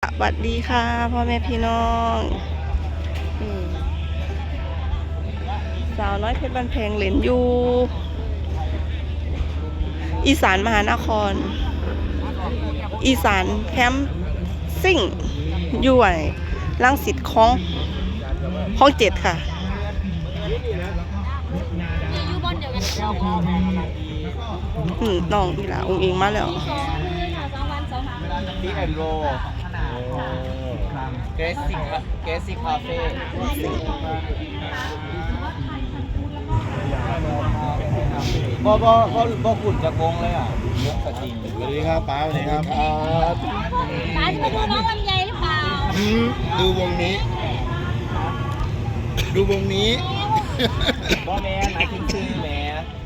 สวัสดีค่ะพ่อแม่พี่น้องสาวน้อยเพชรบ้านแพงเหรนอยู่อีสานมหานครอีสานแคมป์ซิ่งอยู่ไหนรังสิตของเจ็ดค่ะน้องอีหล่าองค์เองมาแล้วที่แอนโรเกรซิคาเฟ่บ่ขุนจะโกงเลยอ่ะยกสติงสวัสดีครับป้าสวัสดีครับป้าจะไปดูน้องลำไยหรือเปล่าดูวงนี้บ่แม่หมายถึงชื่อแม่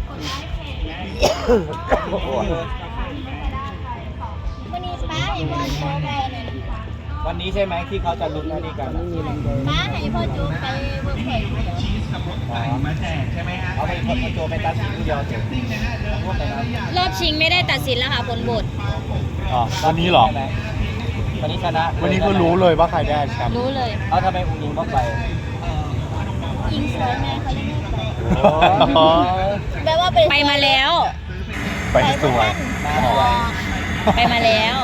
วันนี้ป้าให้พ่อจูไปเนี่ยวันนี้ใช่ไหมที่เขาจะลุ้นอันนี้กันป้าให้พ่อจูไปเวิร์กเพลย์มาแจกใช่ไหมฮะเอาไปพ่อโจไปตัดสินผู้เดียวเสร็จรอบชิงไม่ได้ตัดสินแล้วค่ะผลบทวันนี้หรอวันนี้ชนะวันนี้ก็รู้เลยว่าใครได้แชมป์รู้เลยเอาทำไมอุ้งอิงต้องไปยิงสวยแม่เขายังไม่ไปแปลว่าไปมาแล้วไปสวยไปมาแล้ว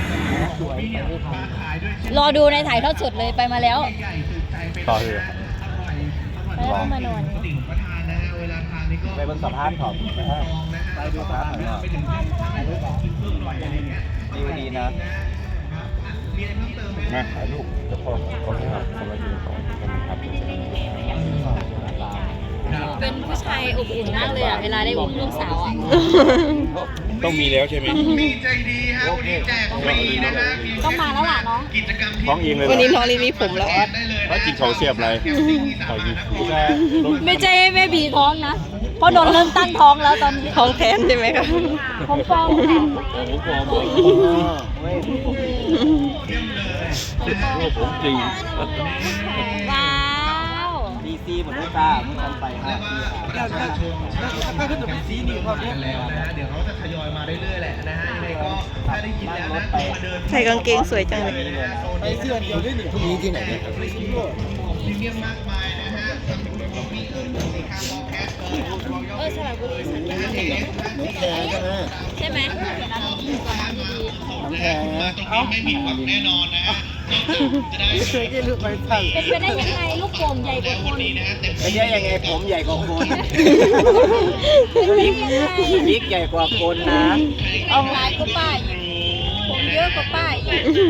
รอดูในถ่ายทอดสดเลยไปมาแล้วต่อเลยไปแล้วมานอนไปบนสะพานขอบไปดูสะพานหน่อยดีนะมาถ่ายรูปจะพ่อเขาให้ครับสำหรับยูนิคอร์นครับเป็นผู้ชายอบอุ่นมากเลยอ่ะเวลาได้อุ้มลูกสาวอ่ะต้องมีแล้วใช่ไหมมีใจดีฮะวันนี้แจกฟรีนะฮะต้องมาแล้วล่ะเนาะกิจกรรมที่ท้องเองเลยวันนี้น้องลีมีผมแล้วว่ากินเขาเสียบอะไรเขาอยู่ไม่ใช่แม่บีท้องนะเพราะโดนเริ่มตั้งท้องแล้วตอนนี้ท้องแทนใช่ไหมคะผมฟ้องค่ะผมจริงว้าวดีซีหมดลูกตาเมื่อกันไปครับถ้าเกิดเป็นซีนิวเขาเนี่ยแล้วนะเดี๋ยวเขาจะทยอยมาเรื่อยๆแหละนะฮะยังไงก็ถ้าได้ยินแล้วนะมาเดินใส่กางเกงสวยจังเลยไปเสื้อเดียวได้หนึ่งมีที่ไหนเนี่ยพรีเมียมมากมายนะฮะมีสินค้าโมแคสสระบุรีสัญญาณใช่ไหมน้ำแข็งนะตรงนี้ไม่ผิดหวังแน่นอนนะฮะจะได้เป็นไปได้ยังไงลูกโป่งใหญ่กว่าคนไม่ใช่ยังไงผมใหญ่กว่าคนบิ๊กใหญ่กว่าคนนะเอาลายก็ป้ายผมเยอะกว่าป้าย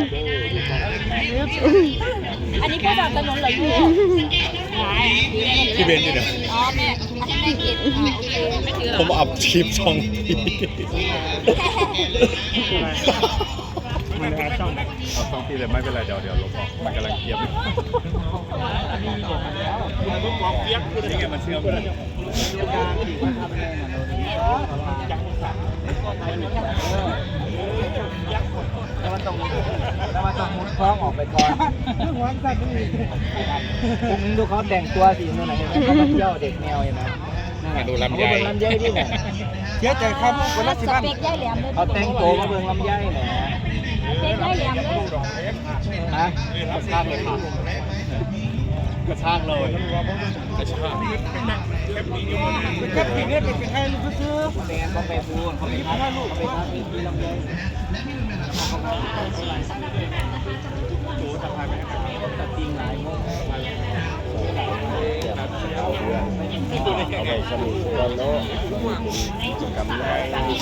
อันนี้ก็แบบถนนเหรอลูกที่เบนอยู่เนี่ยอ๋อแม่แม่กินไม่ถือหรอผมอัพคลิปช่องมันเอาช่องที่เลยไม่เป็นไรเดี๋ยวลบออกมันกำลังเกียบนี่ไงมันเชื่อมกันแล้วมันต้องมุดคล้องออกไปก่อนผมดูเขาแต่งตัวสิเมื่อไหร่เขามาเที่ยวเด็กแนวเห็นไหมมาดูลำไยที่ไหนเชื่อใจครับคนละ 10 บาทเขาแต่งตัวมาเบิ่งลำไยแหนสเปกย่ายแหลมเลยฮะกระชากเลยค่ะกระชากเลยกระชากแค่ปีนี้เป็นแค่ลูกซื้อแมนเขาไปพูดเขาไปทำลูกเขาไปทำที่ลำไยจูจะพาไปตัดติ้งหลายโมงเอาไปสรุปกันแล้วกิจกรรมอะไร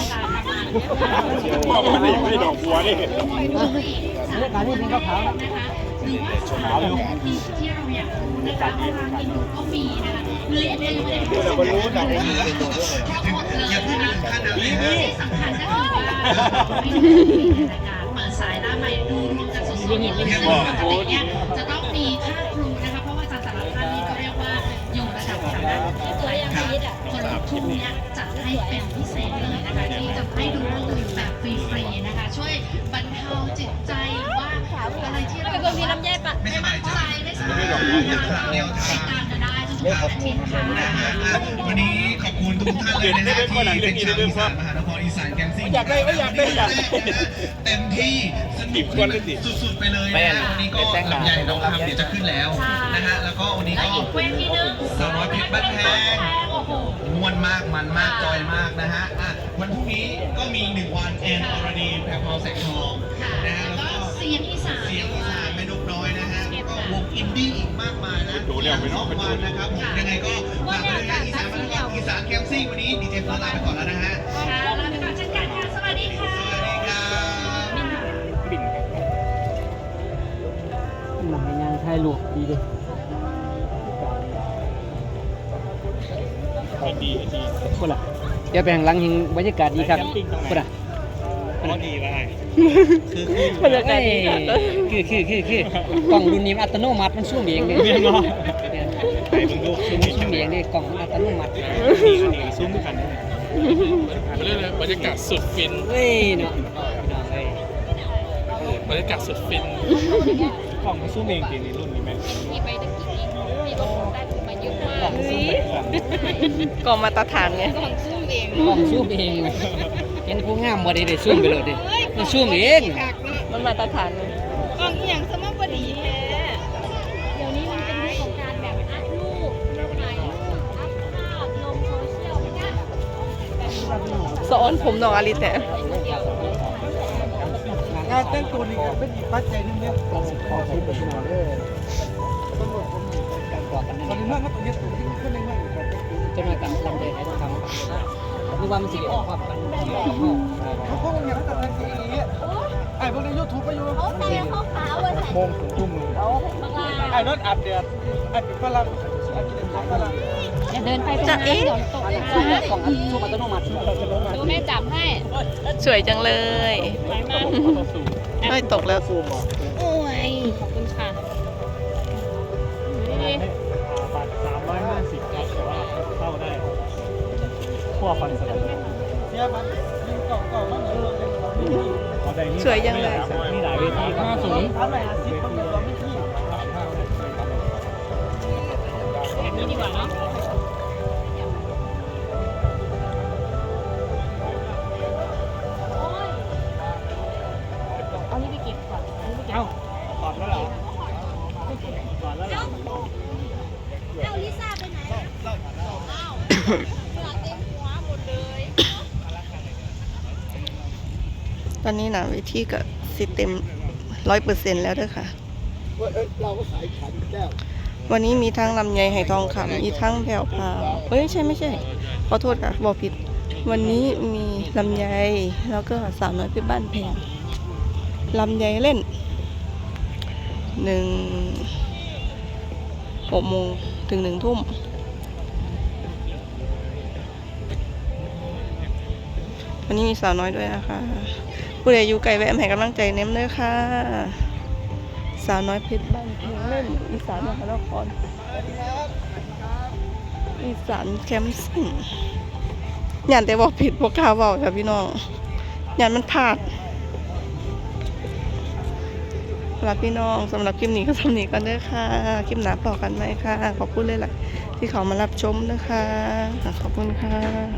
ไม่ดอกบัวนี่การที่เป็นข้าวขาวขาวอยู่ที่เราอยากนะคะเมนูก็มีนะคะเลยอันนี้เลยบรรลุนะอย่าเพิ่งลืมค่าน้ำเลยสำคัญก็คือว่าเปิดสายหน้าไม้ดูรวมกันสดๆเลยอะไรเงี้ยจะต้องมีค่าครูนะคะเพราะว่าอาจารย์แต่ละท่านนี่ก็เรียกว่าอยู่ระดับฐานะตัวอย่างนี้คนครูเนี่ยจัดให้เป็นพิเศษเลยนะคะที่จะให้ดูข้อมูลแบบฟรีๆนะคะช่วยบรรเทาจิตใจว่าอะไรที่เราเป็นคนมีน้ำแย่ปะไม่สบายใจไม่สบายใจเร็วติดตามกันได้ทุกอาทิตย์ค่ะวันนี้ขอบคุณทุกท่านเลยนะฮะที่เป็นชาวอีสานมหานครอีสานแกมซิ่งอยากได้ไม่อยากได้อยากได้เต็มที่สนุกสุดๆไปเลยนะฮะวันนี้ก็ลำไยน้องคำเดี๋ยวจะขึ้นแล้วนะฮะแล้วก็วันนี้ก็อีกเวทีหนึงสาวน้อยเพชรบ้านแพงโอ้โหม่วนมากมันมากจอยมากนะฮะวันพรุ่งนี้ก็มี1 วันแอนอรดีแพรพราวแสงทองนะฮะแล้วแล้วก็ก็เสียงอีสานเสียงอีสานแม่นกน้อยนะฮะแล้วก็วงอินดี้อีกมากมายนะ2 วันนะครับผมยังไงก็ฝากด้วยนะอีสานแคมซิ่งวันนี้ดีเจเฟิร์สลาไปก่อนแล้วนะฮะค่ะลาไปก่อนเช่นกันค่ะ สวัสดีค่ะสวัสดีครับหนังงานไทยหลวกดีเลยดีคนละเดี๋ยวแบ่งหลังหิงบรรยากาศดีครับคนละดีไปบรรยากาศดีคือกล่องรุ่นนี้อัตโนมัติมันซูมเองเลยซูมเองเลยกล่องอัตโนมัติซูมด้วยกันเรื่องบรรยากาศสุดฟินเฮ้ยเนาะบรรยากาศสุดฟินกล่องมันซูมเองจริงในรุ่นนี้ไหมมีไปตะกี้มีก็คงได้มาเยอะมากก็มาตรฐานไงกล่องซูมเองกล่องซูมเองเห็นผู้งามบ่ได้ซูมไปเลยดิมันซูมเองมันมาตรฐานไงกล่องอย่างสมบูรณ์ดีแท้เดี๋ยวนี้มันเป็นยุคของการแบบอัพรูปถ่ายรูปอัพภาพลงโซเชียลไม่ได้แบบสอนผมน้องอลิแต่การแต่งตัวนี่เป็นอีกปัจจัยนึงเนี่ยการศึกษาที่เป็นมาเลยการก่อกันตอนนี้เมื่อตัวนี้ตัวที่ขึ้นในเมื่อจะมากับลำเดยให้ทำนึกว่ามันจะออกความกันเขาพวกนี้เขาตัดอะไรไอ้พวกในยูทูบไปอยู่เขาแต่เขาขาวเลยโมงถึงทุ่มเลยไอ้นั่นอัดเดือดไอ้เป็นฝรั่งไอ้กินฝรั่งอย่าเดินไปตรงนั้นเดี๋ยวตกเลยของอัตโนมัติดูแม่จับให้สวยจังเลยไปมาเฮ้ยตกแล้วโอ้ยขอบคุณค่ะนี่บาท350ครับแต่ว่าเข้าได้ขั้วฟันสลัดเสียมันก่อนมันสวยจังเลยมีหลายเวที50ทำหลายอาชีพมันมีความไม่ที่แบบนี้ดีกว่าเนาะเอานี่ไปเก็บก่อนเอานี่ไปเก็บเอ้าถอดแล้วเหรอถอดแล้วเหรอเอาลิซ่าไปไหนอ้าวเหงื่อเต็มหัวหมดเลยตอนนี้นะเวทีก็สิเต็ม100%แล้วเด้อค่ะเราก็ขายขันแก้ววันนี้มีทั้งลำไยไหทองคำมีทั้งแผ่วพราวเอ้ยไม่ใช่ขอโทษค่ะบอกผิด วันนี้มีลำไยแล้วก็สาวน้อยเพชรบ้านแพงลำไยเล่น6 โมงถึง 1 ทุ่มวันนี้มีสาวน้อยด้วยนะคะผู้ใดอยู่ไกลแวะมาให้กำลังใจเน้มเลยค่ะสาวน้อยเพชรบ้านเพลงเล่นอีสานมหานครอีสานแคมป์ซิ่งยันแต่บอกผิดบอกข่าวเบาค่ะพี่น้องยันมันพลาดสำหรับพี่น้องสำหรับคลิปนี้ก็สำนี้กันเด้อค่ะคลิปหน้าต่อกันไหมค่ะขอบคุณเลยล่ะที่เขามารับชมนะคะขอบคุณค่ะ